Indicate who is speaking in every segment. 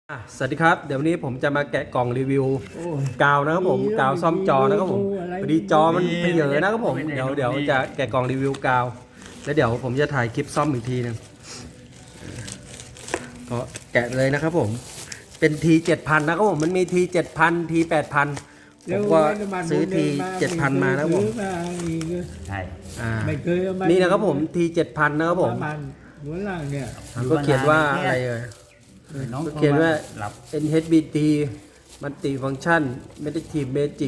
Speaker 1: สวัสดีครับเดี๋ยววันนี้ผมจะมาแกะกล่องรีวิวกาวนะครับผมกาวซ่อมจอนะครับผมพอดีจอมันเพเยอะนะครับผมเดี๋ยวจะแกะกล่องรีวิวกาวแล้วเดี๋ยวผมจะถ่ายคลิปซ่อมอีกทีนึงก็แกะเลยนะครับผมเป็นที7,000นะครับผมมันมีที7,000ที8,000ผมก็ซื้อที7,000มานะครับผม
Speaker 2: ใช่
Speaker 1: นี่นะครับผมที7,000นะครับผมก็เขียนว่าอะไรก็เขียนว่า NHBT มันติฟังก์ชันไม่ได้ทีมเมจิก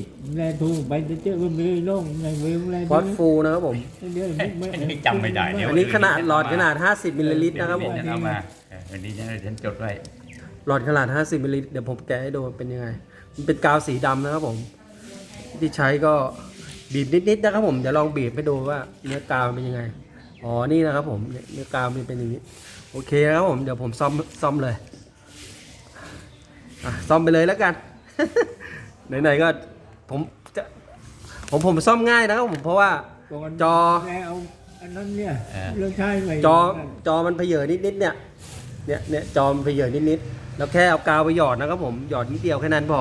Speaker 1: ฟอสฟูนะครับผม
Speaker 2: จำไม่ได้
Speaker 1: อันนี้ขนาดหลอดขนาด50มิลลิลิตรนะครับผม
Speaker 2: เอามาวันนี้ฉันจดไว้
Speaker 1: หลอดขนาด50มิลลิลิตรเดี๋ยวผมแกะให้ดูเป็นยังไงมันเป็นกาวสีดำนะครับผมที่ใช้ก็บีบนิดๆนะครับผมเดี๋ยวลองบีบให้ดูว่าเนื้อกาวเป็นยังไงอ๋อนี่นะครับผมเนื้อกาวมันเป็นอย่างนี้โอเคนะครับผมเดี๋ยวผมซ่อมเลยซ่อมไปเลยแล้วกัน ไหนๆก็ผมจะผมซ่อมง่ายนะครับผมเพราะว่าจอจอมันเพเยอนิดๆเนี่ยจอมันเพเยอนิดๆแล้วแค่เอากาวไปหยอดนะครับผมหยอดนิดเดียวแค่นั้นพอ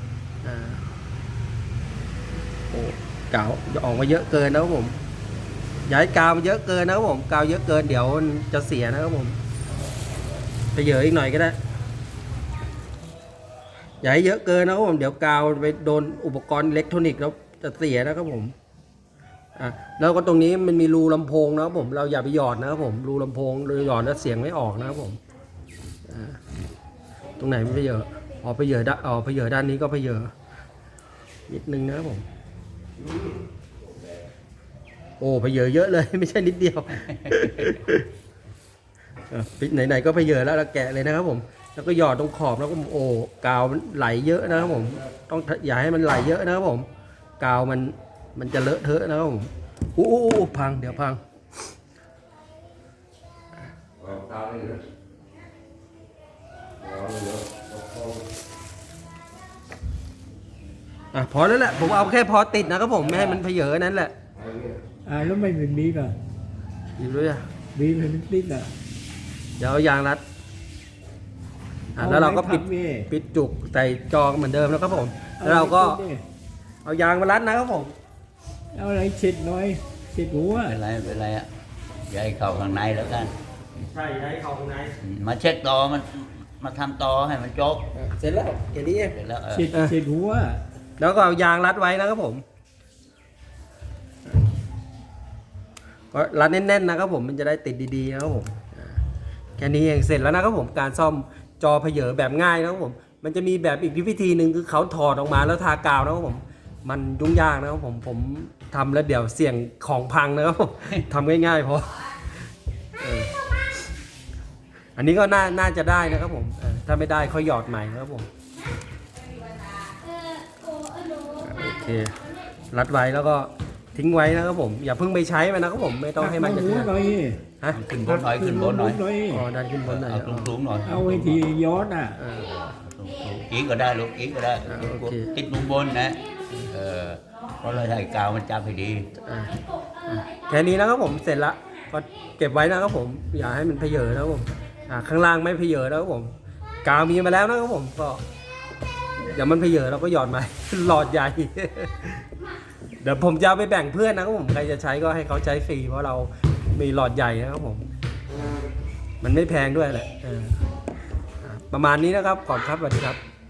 Speaker 1: โอ้กาวออกมาเยอะเกินนะครับผมอย่าให้กาวมันเยอะเกินนะครับผมกาวเยอะเกินเดี๋ยวมันจะเสียนะครับผมเพเยออีกหน่อยก็ได้อย่าให้เยอะเกินนะครับผมเดี๋ยวกาวไปโดนอุปกรณ์อิเล็กทรอนิกส์แล้วจะเสียนะครับผมแล้วก็ตรงนี้มันมีรูลำโพงนะครับผมเราอย่าไปหยอดนะครับผมรูลำโพงเราหยอดแล้วเสียงไม่ออกนะครับผมตรงไหนไม่เพเยอเพเยอด้านนี้ก็เพเยอนิดนึงนะครับผมโอ้เพเยอเยอะเลยไม่ใช่นิดเดียวไหนๆก็เพเยอแล้วเราแกะเลยนะครับผมแล้วก็หยอดตรงขอบแล้วก็โอ้กาวมันไหลเยอะนะครับผมต้องอย่าให้มันไหลเยอะนะครับผมกาวมันจะเลอะเทอะนะครับผมพังเดี๋ยวพังพอแล้วแหละผมเอาแค่พอติดนะครับผมไม่ให้มันเพเยอนั้นแหละ
Speaker 3: แล้วไม่เป็นบีบอ่ะ
Speaker 1: บีบด้วย
Speaker 3: บีบให้มันติดอ่ะ
Speaker 1: เดี๋ยวเอายางรัดแล้วเราก็ปิดจุกใส่จอเหมือนเดิมแล้วครับผมแล้วเราก็เอายางมารัดนะครับผม
Speaker 3: เอาอะไรเช็ดหน่อยเช็ดหัว
Speaker 2: เป็นไรอ่ะอย่าให้เข้าข้างในแล้วกัน
Speaker 1: ใช่ให้เข้าข้างใน
Speaker 2: มาเช็ดต่อมันมาทำต่อให้มันจบ
Speaker 1: เสร็จแล้วแค่นี้
Speaker 2: เสร็จแล้ว
Speaker 3: เช็ดหัว
Speaker 1: แล้วก็เอายางรัดไว้นะครับผมก็รัดแน่นๆนะครับผมมันจะได้ติดดีๆนะครับผมแค่นี้เองเสร็จแล้วนะครับผมการซ่อมจอเพเยอแบบง่ายนะครับผมมันจะมีแบบอีกวิธีหนึ่งคือเขาถอดออกมาแล้วทากาวนะครับผมมันยุ่งยากนะครับผมทำแล้วเดี๋ยวเสี่ยงของพังนะครับผมทำง่ายๆพออันนี้ก็น่าจะได้นะครับผมถ้าไม่ได้ค่อยหยอดใหม่นะครับผมโอเครัดไว้แล้วก็ทิ้งไว้นะครับผมอย่าเพิ่งไปใช้มันนะครับผมไม่ต้องให้มันจะ
Speaker 2: ขึ้นบนหน่อย
Speaker 1: อ๋อดันขึ้นบนหน่อย
Speaker 2: สูงหน่อย
Speaker 3: เอาไว้ที่ย้อน
Speaker 2: อีกก็ได้ลูกอีกก็ได้ติดมุมบนนะเพราะเราใช้กาวมันจับให้ดี
Speaker 1: แค่นี้นะครับผมเสร็จละก็เก็บไว้นะครับผมอย่าให้มันเพเยอนะครับผมข้างล่างไม่เพเยอนะครับผมกาวมีมาแล้วนะครับผมก็เดี๋ยวมันเพเยอเราก็หยอดมาหลอดใหญ่เดี๋ยวผมจะเอาไปแบ่งเพื่อนนะครับผมใครจะใช้ก็ให้เขาใช้ฟรีเพราะเรามีหลอดใหญ่นะครับผมมันไม่แพงด้วยแหละประมาณนี้นะครับก่อนครับสวัสดีครับ